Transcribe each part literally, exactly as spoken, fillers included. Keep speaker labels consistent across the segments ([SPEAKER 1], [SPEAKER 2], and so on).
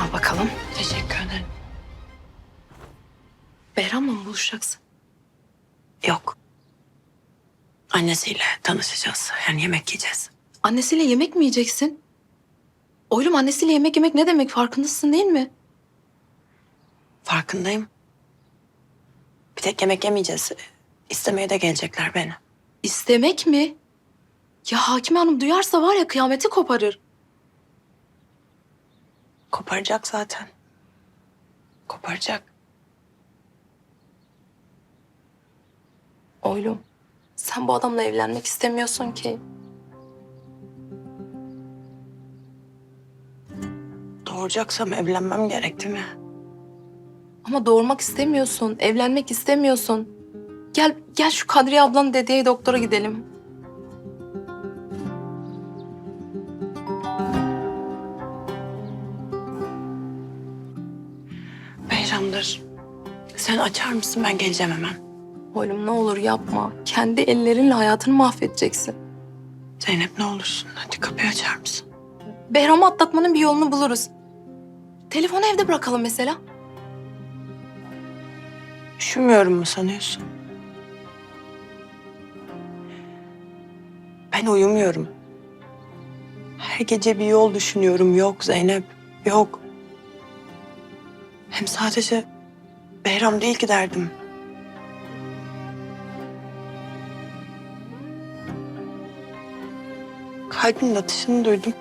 [SPEAKER 1] Al bakalım.
[SPEAKER 2] Teşekkür ederim.
[SPEAKER 1] Behram'la mı buluşacaksın?
[SPEAKER 2] Yok. Annesiyle tanışacağız. Yani yemek yiyeceğiz.
[SPEAKER 1] Annesiyle yemek mi yiyeceksin? Oğlum, annesiyle yemek yemek ne demek, farkındasın değil mi?
[SPEAKER 2] Farkındayım. Bir tek yemek yemeyeceğiz. İstemeye de gelecekler beni.
[SPEAKER 1] İstemek mi? Ya Hakime Hanım duyarsa var ya kıyameti koparır.
[SPEAKER 2] Koparacak zaten. Koparacak.
[SPEAKER 1] Oğlum, sen bu adamla evlenmek istemiyorsun ki.
[SPEAKER 2] Doğuracaksam evlenmem gerekti mi?
[SPEAKER 1] Ama doğurmak istemiyorsun, evlenmek istemiyorsun. Gel, gel şu Kadriye ablanın dediği doktora gidelim.
[SPEAKER 2] Behram'dır. Sen açar mısın? Ben geleceğim hemen.
[SPEAKER 1] Oğlum ne olur yapma. Kendi ellerinle hayatını mahvedeceksin.
[SPEAKER 2] Zeynep ne olursun. Hadi kapıyı açar mısın?
[SPEAKER 1] Behram'ı atlatmanın bir yolunu buluruz. Telefonu evde bırakalım mesela.
[SPEAKER 2] Üşümüyorum mu sanıyorsun? Ben uyumuyorum. Her gece bir yol düşünüyorum. Yok Zeynep, yok. Hem sadece Behram değil ki derdim. Kalbimin atışını duydum.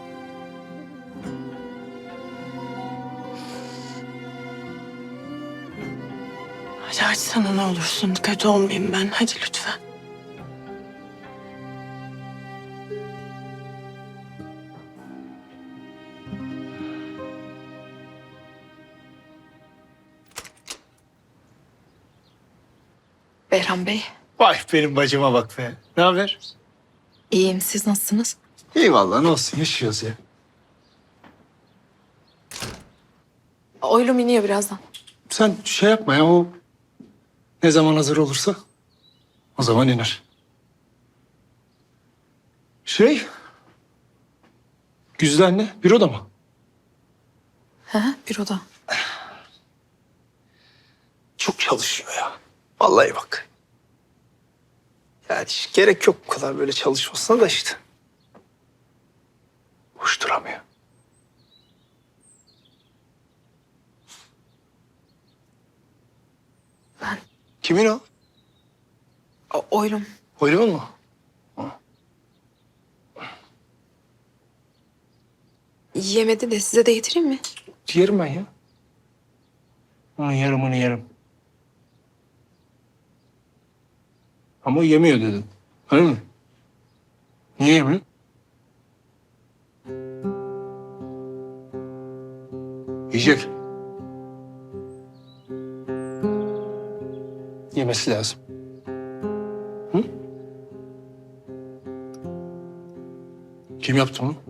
[SPEAKER 2] Hadi açsana ne olursun. Kötü olmayayım ben. Hadi lütfen.
[SPEAKER 1] Behram Bey,
[SPEAKER 3] Vay benim bacıma bak be. Ne haber?
[SPEAKER 1] iyiyim. Siz nasılsınız?
[SPEAKER 3] İyi vallahi ne olsun yaşıyoruz ya.
[SPEAKER 1] Oğlum iniyor birazdan.
[SPEAKER 3] Sen şey yapma ya o ne zaman hazır olursa o zaman iner. Şey Güzide anne büroda mı?
[SPEAKER 1] He, büroda.
[SPEAKER 3] Çok çalışıyor ya. Vallahi bak. Yani hiç gerek yok bu kadar böyle çalışmasına da işte. Boş duramıyor.
[SPEAKER 1] Ben.
[SPEAKER 3] Kimin o?
[SPEAKER 1] O, oğlum.
[SPEAKER 3] Oylumun mu?
[SPEAKER 1] Yemedi de size de getireyim mi?
[SPEAKER 3] Yerim ben ya. Onun yarımını yerim. Ama o yemiyor dedin. Öyle mi? Niye yemiyor? Yiyecek. Yemesi lazım. Hı? Kim yaptı bunu?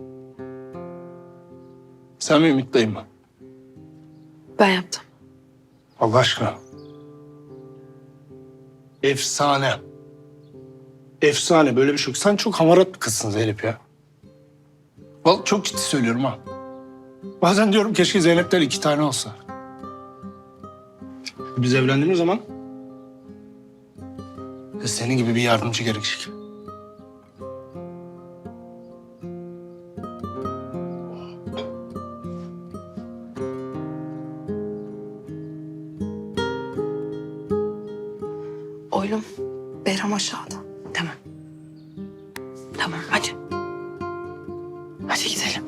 [SPEAKER 3] Sen mi Ümit dayın mı?
[SPEAKER 1] Ben yaptım.
[SPEAKER 3] Allah aşkına. Efsane. Efsane böyle bir şey yok. Sen çok hamarat bir kızsın Zeynep ya. Vallahi çok ciddi söylüyorum ha. Bazen diyorum keşke Zeynep'ten iki tane olsa. Biz evlendiğimiz zaman senin gibi bir yardımcı gerekecek.
[SPEAKER 1] Oğlum, Behram aşağıda.
[SPEAKER 2] Tamam. Tamam hadi. Hadi gidelim.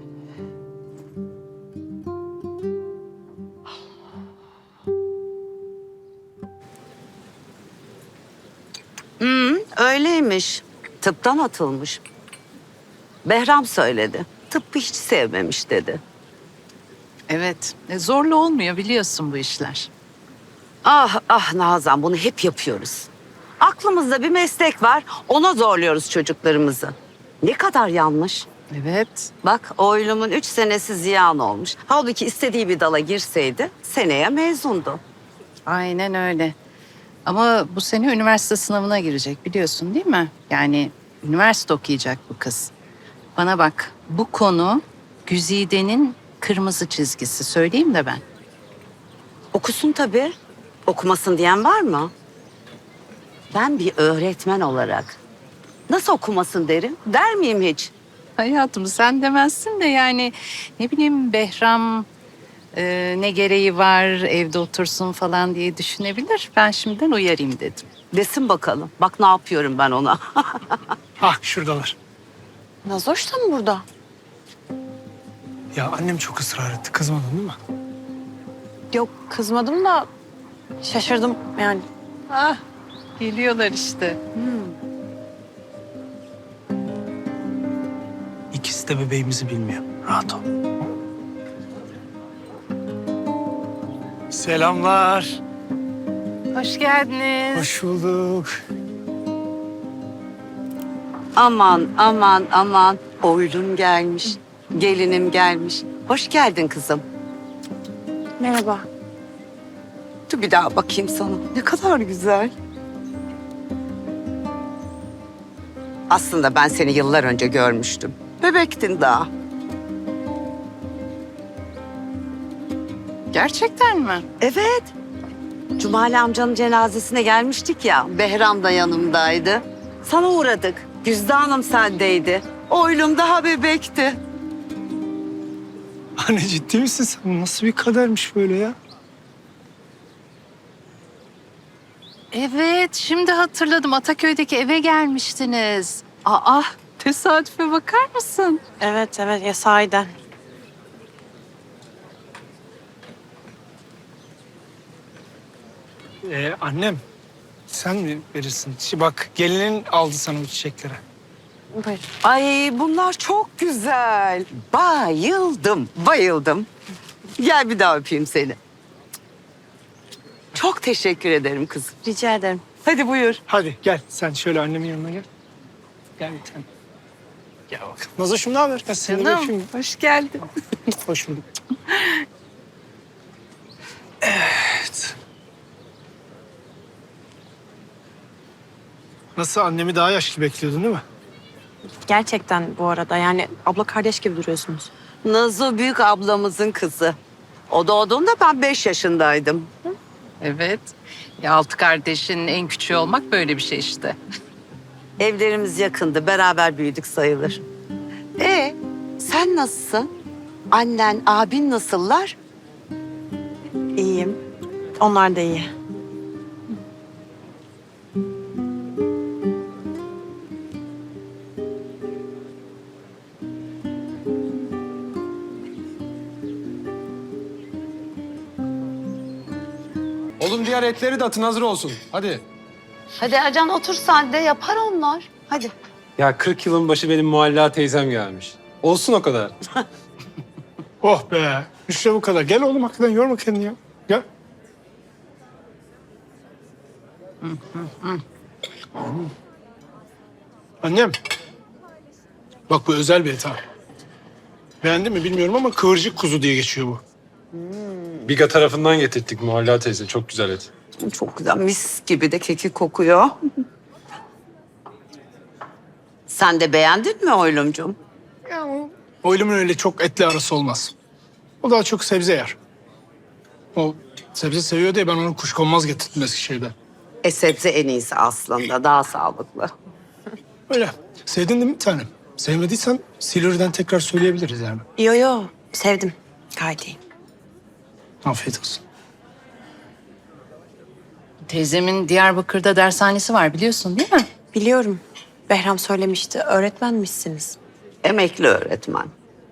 [SPEAKER 4] Öyleymiş. Tıptan atılmış. Behram söyledi. Tıbbı hiç sevmemiş dedi.
[SPEAKER 5] Evet, e, zorla olmuyor biliyorsun bu işler.
[SPEAKER 4] Ah ah Nazan bunu hep yapıyoruz. Aklımızda bir meslek var. Ona zorluyoruz çocuklarımızı. Ne kadar yanlış.
[SPEAKER 5] Evet.
[SPEAKER 4] Bak oğlumun üç senesi ziyan olmuş. Halbuki istediği bir dala girseydi seneye mezundu.
[SPEAKER 5] Aynen öyle. Ama bu sene üniversite sınavına girecek biliyorsun değil mi? Yani üniversite okuyacak bu kız. Bana bak, bu konu Güzide'nin kırmızı çizgisi. Söyleyeyim de ben.
[SPEAKER 4] Okusun tabii. Okumasın diyen var mı? Ben bir öğretmen olarak nasıl okumasın derim? Der miyim hiç?
[SPEAKER 5] Hayatım sen demezsin de yani ne bileyim Behram e, ne gereği var evde otursun falan diye düşünebilir. Ben şimdiden uyarayım dedim.
[SPEAKER 4] Desin bakalım. Bak ne yapıyorum ben ona.
[SPEAKER 3] Hah şuradalar.
[SPEAKER 2] Nazoş da mı burada?
[SPEAKER 3] Ya annem çok ısrar etti. Kızmadın değil mi?
[SPEAKER 2] Yok kızmadım da şaşırdım yani.
[SPEAKER 5] Ah geliyorlar işte.
[SPEAKER 3] İkisi de bebeğimizi bilmiyor. Rahat ol. Selamlar.
[SPEAKER 5] Hoş geldiniz.
[SPEAKER 3] Hoş bulduk.
[SPEAKER 4] Aman aman aman. Oylum gelmiş. Gelinim gelmiş. Hoş geldin kızım.
[SPEAKER 2] Merhaba.
[SPEAKER 4] Dur bir daha bakayım sana. Ne kadar güzel. Aslında ben seni yıllar önce görmüştüm. Bebektin daha.
[SPEAKER 5] Gerçekten mi?
[SPEAKER 4] Evet. Cumali amcanın cenazesine gelmiştik ya. Behram da yanımdaydı. Sana uğradık. Güzde Hanım sendeydi. Oylum daha bebekti.
[SPEAKER 3] Anne ciddi misin sen? Nasıl bir kadermiş böyle ya?
[SPEAKER 5] Evet, şimdi hatırladım. Ataköy'deki eve gelmiştiniz. Aa, tesadüfe bakar mısın?
[SPEAKER 2] Evet evet ya sahiden.
[SPEAKER 3] Ee, annem sen mi verirsin? Şi- Bak gelinin aldı sana bu çiçekleri.
[SPEAKER 2] Buyurun.
[SPEAKER 4] Ay bunlar çok güzel. Bayıldım, bayıldım. Gel bir daha öpeyim seni. Çok teşekkür ederim kızım.
[SPEAKER 2] Rica ederim.
[SPEAKER 4] Hadi buyur.
[SPEAKER 3] Hadi gel sen şöyle annemin yanına gel. Gel bir tane. Gel bakalım. Nazoş'um ne haber? Gel seni de öpeyim.
[SPEAKER 5] hoş geldin.
[SPEAKER 3] Hoş bulduk. Evet. Nasıl annemi daha yaşlı bekliyordun değil mi?
[SPEAKER 2] Gerçekten bu arada yani abla kardeş gibi duruyorsunuz.
[SPEAKER 4] Nazo büyük ablamızın kızı. O doğduğunda ben beş yaşındaydım.
[SPEAKER 5] Evet. Ya altı kardeşin en küçüğü olmak böyle bir şey işte.
[SPEAKER 4] Evlerimiz yakındı, beraber büyüdük sayılır. E sen nasılsın? Annen, abin nasıllar?
[SPEAKER 2] İyiyim. Onlar da iyi.
[SPEAKER 6] Oğlum diğer etleri de atın hazır olsun. Hadi.
[SPEAKER 4] Hadi Ercan otur sen de yapar onlar. Hadi.
[SPEAKER 6] Ya kırk yılın başı benim Mualla teyzem gelmiş. Olsun o kadar.
[SPEAKER 3] Oh be. İşte bu kadar. Gel oğlum hakikaten yorma kendini ya. Gel. Annem. Bak bu özel bir et ha. Beğendin mi bilmiyorum ama kıvırcık kuzu diye geçiyor bu.
[SPEAKER 6] Biga tarafından getirttik Mualla teyze. Çok güzel et.
[SPEAKER 4] Çok güzel mis gibi de keki kokuyor. Sen de beğendin mi oylumcum?
[SPEAKER 3] Oylumun öyle çok etli arası olmaz. O daha çok sebze yer. O sebze seviyor diye ben onu kuşkonmaz getirdim Eskişehir'den.
[SPEAKER 4] E sebze en iyisi aslında daha sağlıklı.
[SPEAKER 3] Öyle. Sevdin değil mi bir tanem? Sevmediysen Silivri'den tekrar söyleyebiliriz yani.
[SPEAKER 2] Yo yo sevdim. Gayet iyi.
[SPEAKER 3] Afiyet olsun.
[SPEAKER 5] Teyzemin Diyarbakır'da dershanesi var biliyorsun değil mi?
[SPEAKER 2] Biliyorum. Behram söylemişti. Öğretmenmişsiniz.
[SPEAKER 4] Emekli öğretmen.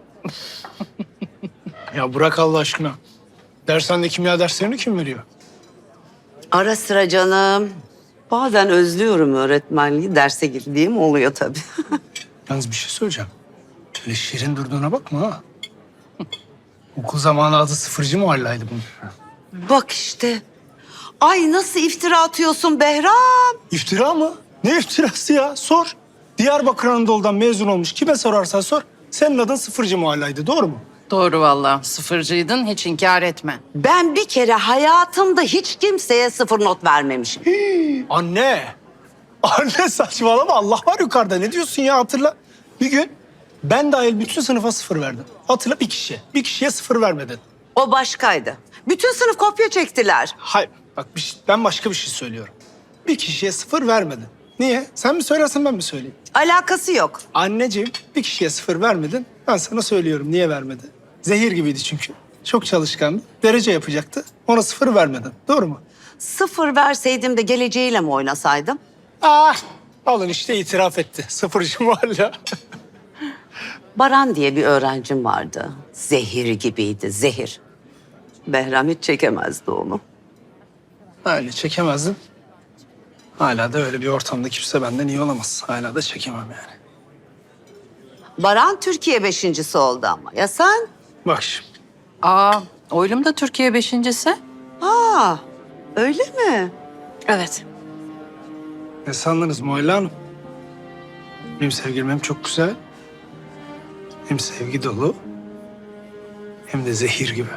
[SPEAKER 3] Ya bırak Allah aşkına. Dershanede kimya derslerini kim veriyor?
[SPEAKER 4] Ara sıra canım. Bazen özlüyorum öğretmenliği. Derse girdiğim oluyor tabii.
[SPEAKER 3] Yalnız bir şey söyleyeceğim. Öyle şirin durduğuna bakma ha. Okul zamanı adı sıfırcı muhallaydı bunun.
[SPEAKER 4] Bak işte. Ay nasıl iftira atıyorsun Behram?
[SPEAKER 3] İftira mı? Ne iftirası ya? Sor. Diyarbakır Anadolu'dan mezun olmuş. Kime sorarsan sor. Senin adın sıfırcı muhallaydı. Doğru mu?
[SPEAKER 5] Doğru vallahi. Sıfırcıydın hiç inkar etme.
[SPEAKER 4] Ben bir kere hayatımda hiç kimseye sıfır not vermemişim.
[SPEAKER 3] Anne. Anne saçmalama. Allah var yukarıda. Ne diyorsun ya hatırla. Bir gün Ben dahil bütün sınıfa sıfır verdim. Hatırla bir kişiye. Bir kişiye sıfır vermedin.
[SPEAKER 4] O başkaydı. Bütün sınıf kopya çektiler.
[SPEAKER 3] Hayır. Bak bir şey- ben başka bir şey söylüyorum. Bir kişiye sıfır vermedin. Niye? Sen mi söylersin ben mi söyleyeyim?
[SPEAKER 4] Alakası yok.
[SPEAKER 3] Anneciğim bir kişiye sıfır vermedin. Ben sana söylüyorum niye vermedi. Zehir gibiydi çünkü. Çok çalışkandı. Derece yapacaktı. Ona sıfır vermedin. Doğru mu?
[SPEAKER 4] Sıfır verseydim de geleceğiyle mi oynasaydım?
[SPEAKER 3] Ah! Alın işte itiraf etti. Sıfırcı Muhalla.
[SPEAKER 4] Baran diye bir öğrencim vardı. Zehir gibiydi, zehir. Behram hiç çekemezdi onu.
[SPEAKER 3] Öyle çekemezdim. Hala da öyle bir ortamda kimse benden iyi olamaz. Hala da çekemem yani.
[SPEAKER 4] Baran Türkiye beşincisi oldu ama. Ya sen?
[SPEAKER 3] Bak şimdi.
[SPEAKER 5] Aa, oylum da Türkiye beşincisi.
[SPEAKER 4] Aa, öyle mi?
[SPEAKER 1] Evet.
[SPEAKER 3] Ne sandınız Muhalla Hanım? Benim sevgilim hem çok güzel, hem sevgi dolu, hem de zehir gibi.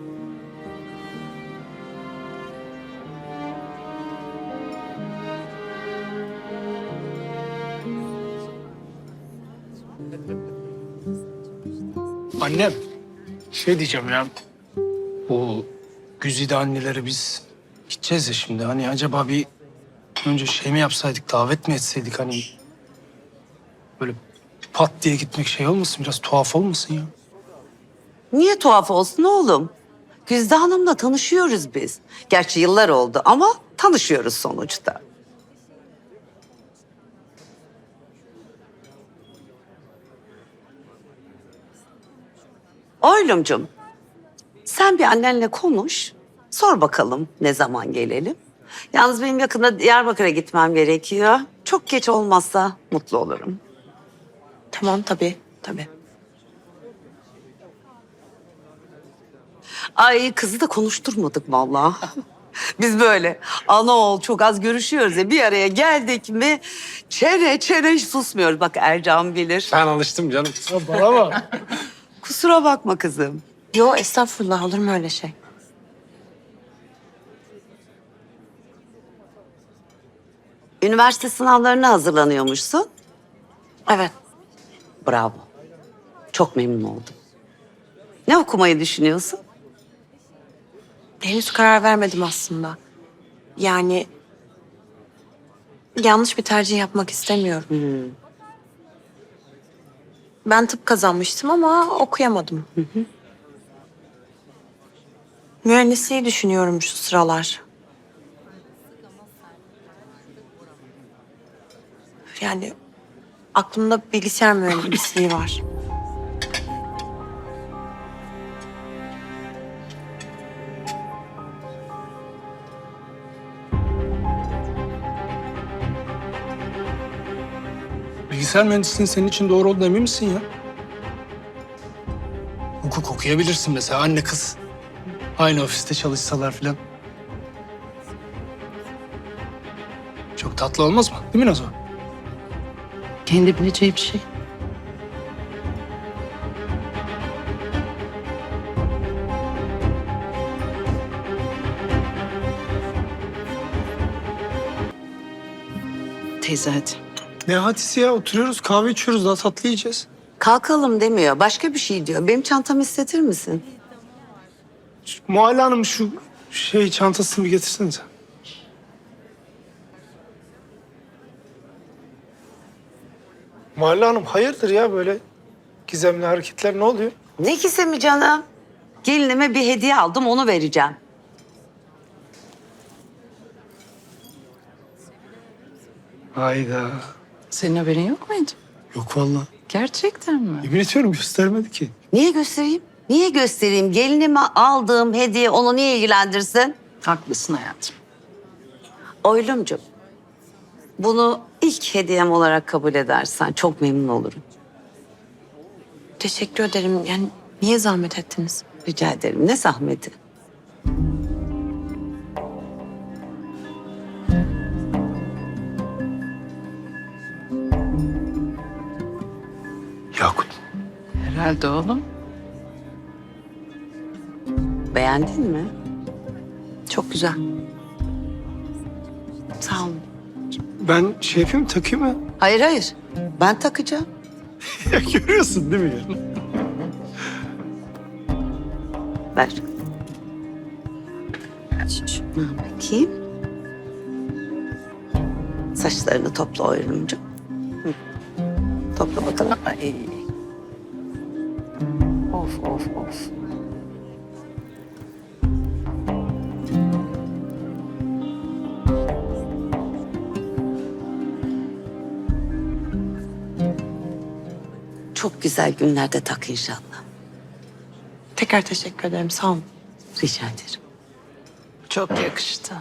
[SPEAKER 3] Annem, şey diyeceğim ya. Bu güzide anneleri biz gideceğiz ya şimdi. Hani acaba bir önce şey mi yapsaydık, davet mi etseydik hani? Böyle pat diye gitmek şey olmasın, biraz tuhaf olmasın ya?
[SPEAKER 4] Niye tuhaf olsun oğlum? Güzde Hanım'la tanışıyoruz biz. Gerçi yıllar oldu ama tanışıyoruz sonuçta. Oylumcum, sen bir annenle konuş. Sor bakalım ne zaman gelelim. Yalnız benim yakında Diyarbakır'a gitmem gerekiyor. Çok geç olmazsa mutlu olurum.
[SPEAKER 2] Tamam tabii, tabii.
[SPEAKER 4] Ay kızı da konuşturmadık vallahi. Biz böyle ana oğul çok az görüşüyoruz ya bir araya geldik mi çene çene hiç susmuyoruz. Bak Ercan bilir.
[SPEAKER 6] Ben alıştım canım.
[SPEAKER 3] Ya bana bak.
[SPEAKER 4] Kusura bakma kızım.
[SPEAKER 2] Yo estağfurullah olur mu öyle şey?
[SPEAKER 4] Üniversite sınavlarına hazırlanıyormuşsun.
[SPEAKER 2] Evet.
[SPEAKER 4] Bravo. Çok memnun oldum. Ne okumayı düşünüyorsun?
[SPEAKER 2] Henüz karar vermedim aslında. Yani yanlış bir tercih yapmak istemiyorum.
[SPEAKER 4] Hmm.
[SPEAKER 2] Ben tıp kazanmıştım ama okuyamadım. Mühendisliği düşünüyorum şu sıralar. Yani aklımda bilgisayar mühendisliği var.
[SPEAKER 3] Bilgisayar mühendisliğinin senin için doğru olduğuna emin misin ya? Hukuk okuyabilirsin mesela anne kız. Aynı ofiste çalışsalar falan. Çok tatlı olmaz mı? Değil mi Nazo?
[SPEAKER 5] Kendi bileceği bir şey.
[SPEAKER 2] Teyze hadi.
[SPEAKER 3] Ne hadisi ya? Oturuyoruz kahve içiyoruz daha tatlı yiyeceğiz.
[SPEAKER 4] Kalkalım demiyor. Başka bir şey diyor. Benim çantamı istetir misin?
[SPEAKER 3] Muhalla Hanım şu şey çantasını bir getirsenize. Muhalla Hanım hayırdır ya böyle gizemli hareketler ne oluyor?
[SPEAKER 4] Ne gizemi canım? Gelinime bir hediye aldım onu vereceğim.
[SPEAKER 3] Hayda.
[SPEAKER 5] Senin haberin yok muydu?
[SPEAKER 3] Yok vallahi.
[SPEAKER 5] Gerçekten mi?
[SPEAKER 3] Yemin ediyorum göstermedi ki.
[SPEAKER 4] Niye göstereyim? Niye göstereyim? Gelinime aldığım hediye onu niye ilgilendirsin?
[SPEAKER 5] Haklısın hayatım.
[SPEAKER 4] Oylumcum, bunu ilk hediyem olarak kabul edersen çok memnun olurum.
[SPEAKER 2] Teşekkür ederim. Yani niye zahmet ettiniz?
[SPEAKER 4] Rica ederim. Ne zahmeti?
[SPEAKER 3] Yakut.
[SPEAKER 5] Herhalde oğlum.
[SPEAKER 4] Beğendin mi?
[SPEAKER 2] Çok güzel. Sağ olun.
[SPEAKER 3] Ben şey yapayım takayım mı?
[SPEAKER 4] Hayır hayır. Ben takacağım.
[SPEAKER 3] Ya görüyorsun değil mi ya?
[SPEAKER 4] Ver. Şu- Şuna bakayım. Saçlarını topla Oylumcuğum. Hı. Topla bakalım.
[SPEAKER 5] Ay. Of of of.
[SPEAKER 4] Çok güzel günlerde tak inşallah.
[SPEAKER 2] Tekrar teşekkür ederim. Sağ olun.
[SPEAKER 4] Rica ederim.
[SPEAKER 5] Çok yakıştı.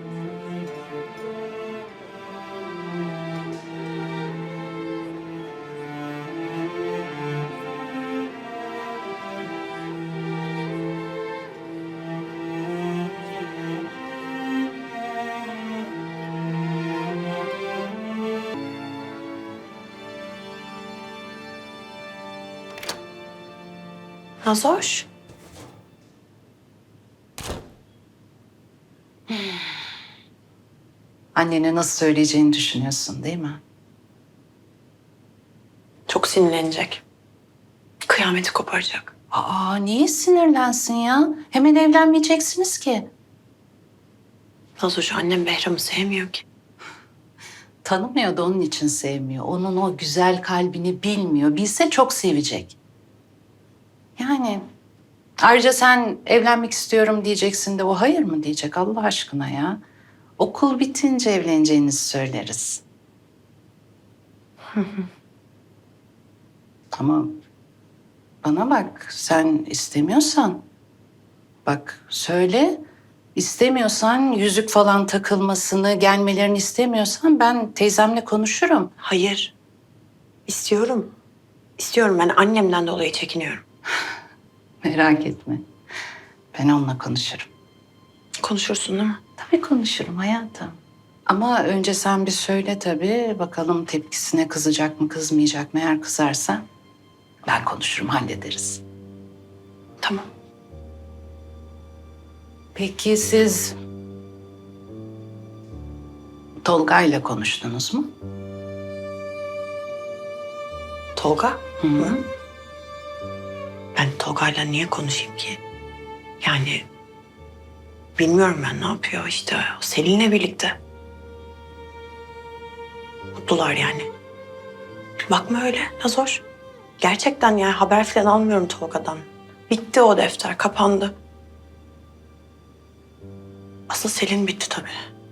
[SPEAKER 2] Nazoş.
[SPEAKER 5] Annene nasıl söyleyeceğini düşünüyorsun değil mi?
[SPEAKER 2] Çok sinirlenecek. Kıyameti koparacak.
[SPEAKER 5] Aa, niye sinirlensin ya? Hemen evlenmeyeceksiniz ki.
[SPEAKER 2] Nazoş, annem Behram'ı sevmiyor ki.
[SPEAKER 5] Tanımıyor da onun için sevmiyor. Onun o güzel kalbini bilmiyor. Bilse çok sevecek. Yani ayrıca sen evlenmek istiyorum diyeceksin de o hayır mı diyecek Allah aşkına ya. Okul bitince evleneceğinizi söyleriz. Ama bana bak, sen istemiyorsan bak söyle. İstemiyorsan, yüzük falan takılmasını, gelmelerini istemiyorsan ben teyzemle konuşurum.
[SPEAKER 2] Hayır. İstiyorum. İstiyorum. Ben annemden dolayı çekiniyorum.
[SPEAKER 5] Merak etme. Ben onunla konuşurum.
[SPEAKER 2] Konuşursun değil mi?
[SPEAKER 5] Tabii konuşurum hayatım. Ama önce sen bir söyle tabii. Bakalım tepkisine kızacak mı, kızmayacak mı? Eğer kızarsa ben konuşurum, hallederiz.
[SPEAKER 2] Tamam.
[SPEAKER 5] Peki siz Tolga'yla konuştunuz mu?
[SPEAKER 2] Tolga?
[SPEAKER 5] Hı hı.
[SPEAKER 2] Ben Tolga'yla niye konuşayım ki? Yani bilmiyorum ben ne yapıyor işte. O Selin'le birlikte. Mutlular yani. Bakma öyle Nazoş. Gerçekten yani haber falan almıyorum Tolga'dan. Bitti o defter, kapandı. Asıl Selin bitti tabii.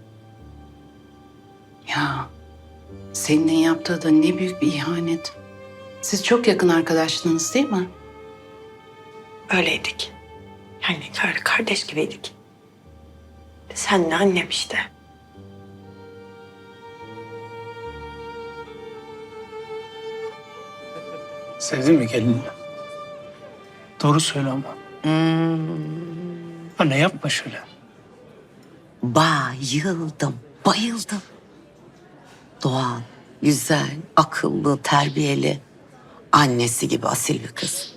[SPEAKER 5] Ya senin yaptığı da ne büyük bir ihanet. Siz çok yakın arkadaştınız değil mi?
[SPEAKER 2] Öyleydik. Yani öyle kardeş gibiydik. Senle annem işte.
[SPEAKER 3] Sevdin mi gelini? Doğru söyle ama. Anne yapma şöyle.
[SPEAKER 4] Bayıldım, bayıldım. Doğan, güzel, akıllı, terbiyeli. Annesi gibi asil bir kız.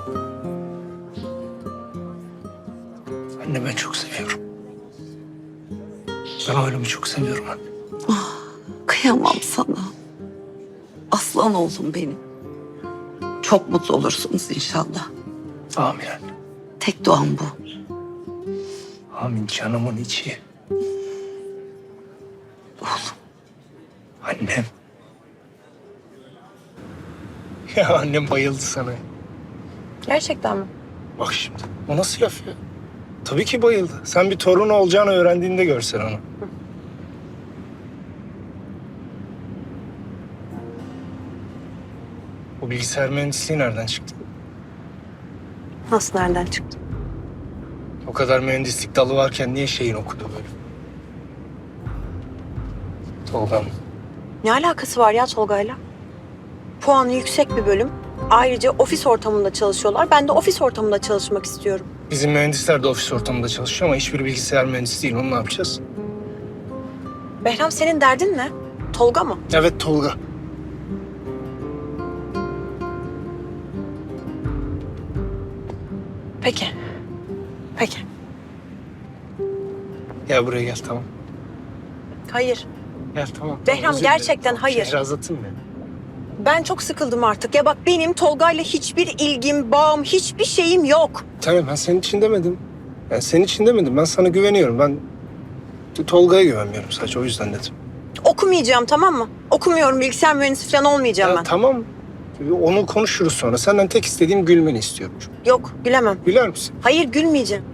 [SPEAKER 3] Anne ben çok seviyorum. Ben oğlumu çok seviyorum anne.
[SPEAKER 4] Kıyamam sana. Aslan oğlum benim. Çok mutlu olursunuz inşallah.
[SPEAKER 3] Amin anne.
[SPEAKER 4] Tek duam bu.
[SPEAKER 3] Amin canımın içi.
[SPEAKER 4] Oğlum.
[SPEAKER 3] Annem. Ya annem bayıldı sana.
[SPEAKER 2] Gerçekten mi?
[SPEAKER 3] Bak şimdi. O nasıl laf ya? Tabii ki bayıldı. Sen bir torun olacağını öğrendiğinde görsen onu. Bu bilgisayar mühendisliği nereden çıktı?
[SPEAKER 2] Nasıl nereden çıktı?
[SPEAKER 3] O kadar mühendislik dalı varken niye şeyin okudu böyle? Tolga'm.
[SPEAKER 7] Ne alakası var ya Tolga'yla? Puanı yüksek bir bölüm. Ayrıca ofis ortamında çalışıyorlar. Ben de ofis ortamında çalışmak istiyorum.
[SPEAKER 3] Bizim mühendisler de ofis ortamında çalışıyor ama hiçbir bilgisayar mühendisi değil. Onu ne yapacağız?
[SPEAKER 7] Behram senin derdin ne? Tolga mı?
[SPEAKER 3] Evet Tolga.
[SPEAKER 7] Peki. Peki.
[SPEAKER 3] Gel buraya gel tamam.
[SPEAKER 7] Hayır.
[SPEAKER 3] Gel tamam.
[SPEAKER 7] Behram,
[SPEAKER 3] Özür dilerim.
[SPEAKER 7] gerçekten hayır.
[SPEAKER 3] Şehrazat'ım benim.
[SPEAKER 7] Ben çok sıkıldım artık. Ya bak benim Tolga'yla hiçbir ilgim, bağım, hiçbir şeyim yok.
[SPEAKER 3] Tamam ben senin için demedim. Ben senin için demedim. Ben sana güveniyorum. Ben Tolga'ya güvenmiyorum sadece o yüzden dedim.
[SPEAKER 7] Okumayacağım, tamam mı? Okumuyorum, bilgisayar mühendisi falan olmayacağım
[SPEAKER 3] Ya
[SPEAKER 7] ben.
[SPEAKER 3] tamam. Onu konuşuruz sonra. Senden tek istediğim gülmeni istiyorum.
[SPEAKER 7] Yok, gülemem.
[SPEAKER 3] Güler misin?
[SPEAKER 7] Hayır, gülmeyeceğim.